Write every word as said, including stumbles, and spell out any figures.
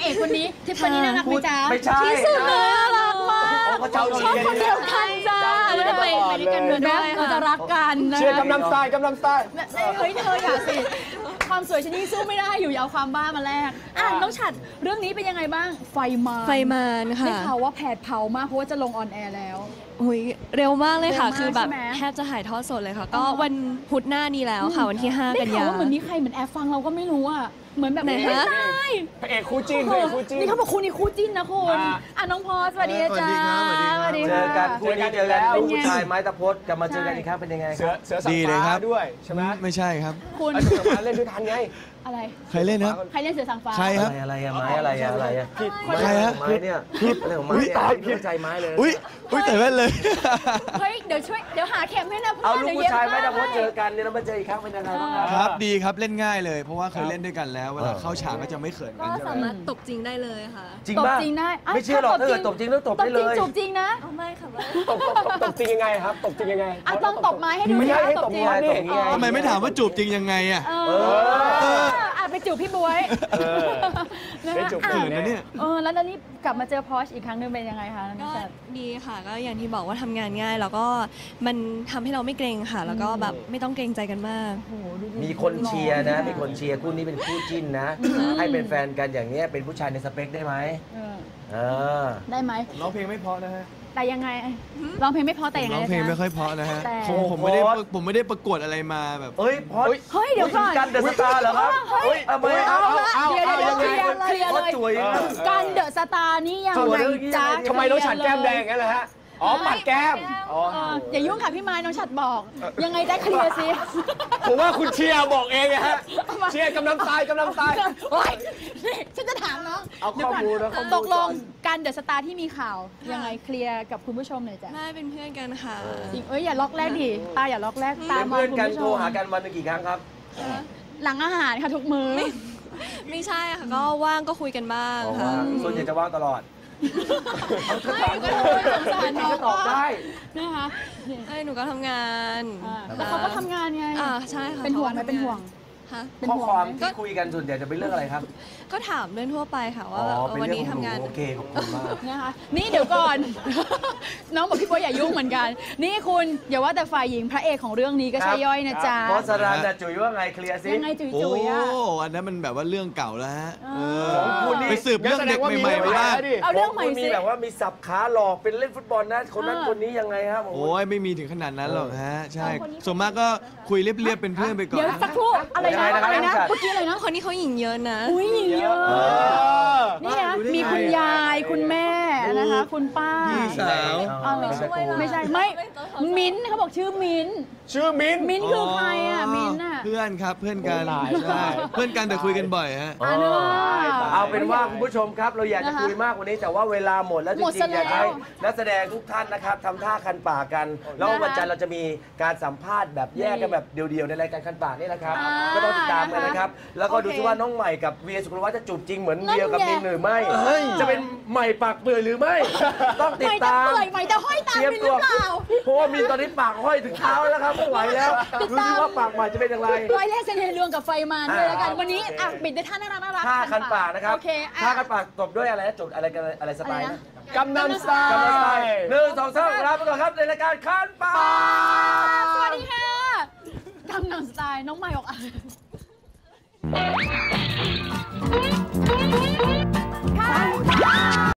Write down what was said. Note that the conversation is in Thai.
เอกคนนี้ทิฟฟานี่น่ารักไหมจ๊ะไม่ใช่ที่สุดเลยน่ารักมากชอบคนเดียวกันจ้าเราจะไปไปด้วยกันด้วยเราจะรักกันนะเชียร์กำลังสไตล์กำลังสไตล์เฮ้ยเธออย่าสิความสวยชนิดสู้ไม่ได้อยู่ยาวความบ้ามาแรกอ่ะน้องฉัดเรื่องนี้เป็นยังไงบ้างไฟมาไฟมานค่ะได้ข่าวว่าแผดเผามากเพราะว่าจะลงออนแอร์แล้วอุ้ยเร็วมากเลยค่ะคือแบบแทบจะถ่ายทอดสดเลยค่ะก็วันพุธหน้านี้แล้วค่ะวันที่ห้ากันยายนได้ข่าวว่าเหมือนมีใครเหมือนแอบฟังเราก็ไม่รู้อ่ะเหมือนแบบไหนฮะพระเอกคู่จิ้นพระเอกคู่จิ้นนี่เขาบอกคุณนี่คู่จิ้นนะคุณอ่ะน้องพอสวัสดีจ้าสวัสดีเจอกันคู่นี้เจอกันลูกผู้ชายไม้ตะพดจะมาเจอกันอีกครั้งเป็นยังไงครับเสือสังฟ้าด้วยใช่ไหมไม่ใช่ครับคุณเสือมาเล่นด้วยกันไงอะไรใครเล่นครับใครเล่นเสือสังฟ้าใครครับอะไรอะไม้อะไรอะอะไรอะใครฮะไม้เนี่ยอะไรของไม้เนี่ยไม่เข้าใจไม้เลยอุ้ยอุ้ยแต่แว่นเลยเฮ้ยเดี๋ยวช่วยเดี๋ยวหาเข็มให้นะเพื่อนเอาลูกผู้ชายไม้ตะพดเจอกันเนี่ยเรามาเจออีกครั้งเป็นยังไงบ้างครับครับดีครับเล่นง่ายเลยเพราะว่าเคยเล่นด้วยกันแล้วเวลาเข้าฉากก็จะไม่เขินกันก็สามารถตบจริงได้เลยค่ะจริงป่ะไม่เชื่อหรอกถ้าเกิดตบจริงแล้วตบได้เลยตบจริงนะไม่ค่ะตบตบจริงยังไงครับตบจริงยังไงอ่ะต้องตบไม้ให้ดูไม่ใช่ให้ตบไม้ตบไงทำไมไม่ถามว่าจูบจริงยังไงอ่ะเอออ่ะไปจูบพี่บ๊วยได้จูบเขินนะเนี่ยเออแล้วนี่กลับมาเจอพอชอีกครั้งนึงเป็นยังไงคะก็ดีค่ะก็อย่างที่บอกว่าทำงานง่ายแล้วก็มันทำให้เราไม่เกรงค่ะแล้วก็แบบไม่ต้องเกรงใจกันมากมีคนเชียร์นะมีคนเชียร์คู่นี้เป็นคู่จิ้นนะให้เป็นแฟนกันอย่างนี้เป็นผู้ชายในสเปคได้ไหมเออได้ไหมร้องเพลงไม่เพราะนะฮะแต่ยังไงร้องเพลงไม่เพราะแต่ยังไงร้องเพลงไม่ค่อยเพราะนะฮะผมผมไม่ได้ผมไม่ได้ประกวดอะไรมาแบบเฮ้ยพอเฮ้ยเดี๋ยวก่อนกันเดอะสตาร์เหรอครับเฮ้ยเอาไปเอาเอาเดี๋ยวเดี๋ยวเคลียร์เคลียร์เลยกันเดอะสตาร์นี่ยังไงจ๊ะทำไมน้องฉัดแก้มแดงงั้นล่ะฮะอ๋อปัดแก้มอ๋ออย่ายุ่งค่ะพี่ไม้น้องฉัดบอกยังไงได้เคลียร์สิผมว่าคุณเชียร์บอกเองฮะเชียร์กำลังตายกำลังตายโอ๊ยนี่ฉันจะถามน้องเอาข้อมูลนะตกลงกันเดอะสตาร์ที่มีข่าวยังไงเคลียร์กับคุณผู้ชมหน่อยจ้ะไม่เป็นเพื่อนกันค่ะจริงเอ้ยอย่าล็อกแรกดิตาอย่าล็อกแรกตามเพื่อนกันโทรหากันวันนึงกี่ครั้งครับหลังอาหารค่ะทุกมื้อไม่ใช่ค่ะก็ว่างก็คุยกันบ้างค่ะส่วนใหญ่จะว่างตลอดเอาถามดูสงสารน้องตอบได้นะคะเอ้ยหนูก็ทำงานแล้วเขาก็ทำงานไงอ่าใช่ค่ะเป็นห่วงไหมเป็นห่วงข้อความที่คุยกันส่วนใหญ่จะเป็นเรื่องอะไรครับก็ถามเรื่องทั่วไปค่ะว่าวันนี้ทำงานโอเคขอบคุณมากนะคะนี่เดี๋ยวก่อนน้องบอกพี่โป๊อย่ายุ่งเหมือนกันนี่คุณอย่าว่าแต่ฝ่ายหญิงพระเอกของเรื่องนี้ก็ใช่ย่อยนะจ๊ะเพราะสรานแต่จุ๋ยว่าไงเคลียร์ซิยังไงจุ๋ยจุ๋ยอ่ะโอ้อันนั้นมันแบบว่าเรื่องเก่าแล้วฮะไปสืบเรื่องเด็กใหม่ๆมาได้เอาเรื่องใหม่สิมีแบบว่ามีสับขาหลอกเป็นเล่นฟุตบอลนะคนนั้นคนนี้ยังไงครับโอ้ยไม่มีถึงขนาดนั้นหรอกฮะใช่ส่วนมากก็คุยเรียบๆเป็นเพื่อนไปก่อนเดี๋ยวสักครู่อะไรนะอะไรนะเมื่อกี้อะไรนะคนนี้เขาหญิงเยอะนะอุ้ยหญิงเยอะนี่นะมีคุณยายคุณแม่นะคะคุณป้าพี่สาวไม่ใช่ไม่มิ้นเขาบอกชื่อมิ้นชื่อมิ้นมิ้นคือใครอ่ะมิ้นอ่ะเพื่อนครับเพื่อนกันใช่เพื่อนกันแต่คุยกันบ่อยฮะเอาเป็นว่าคุณผู้ชมครับเราอยากจะคุยมากกว่านี้แต่ว่าเวลาหมดแล้วจริงๆอยากให้นักแสดงทุกท่านนะครับทำท่าคันปากกันแล้ววันจันทร์เราจะมีการสัมภาษณ์แบบแยกกันแบบเดียวๆในรายการคันปากนี่แหละครับก็ต้องติดตามกันนะครับแล้วก็ดูซิว่าน้องใหม่กับเวียสุกลวัฒน์จะจูบจริงเหมือนเวียกับมินหรือไม่จะเป็นใหม่ปากเปื่อยหรือไม่ต้องติดตามใหม่จะห้อยตามมินหรือเปล่าเพราะว่ามินตอนนี้ปากห้อยถึงเท้าแล้วครับไม่ไหวแล้วดูซิว่าปากใหม่จะเป็นอย่างไรร้อยแรกเซนเฮเรื่องกับไฟมันเลยแล้วกันวันนี้อ่ะปิดด้วยท่าน่ารักน่ารักท่าคันปากนะครับท่าคันปากจบด้วยอะไรนะจบอะไรกันอะไรสไตล์นะกำนันสไตล์หนึ่งสองสามลาไปก่อนครับในรายการคันปากสวัสดีค่ะกำนันสไตล์น้องใหม่ออกอ่ะ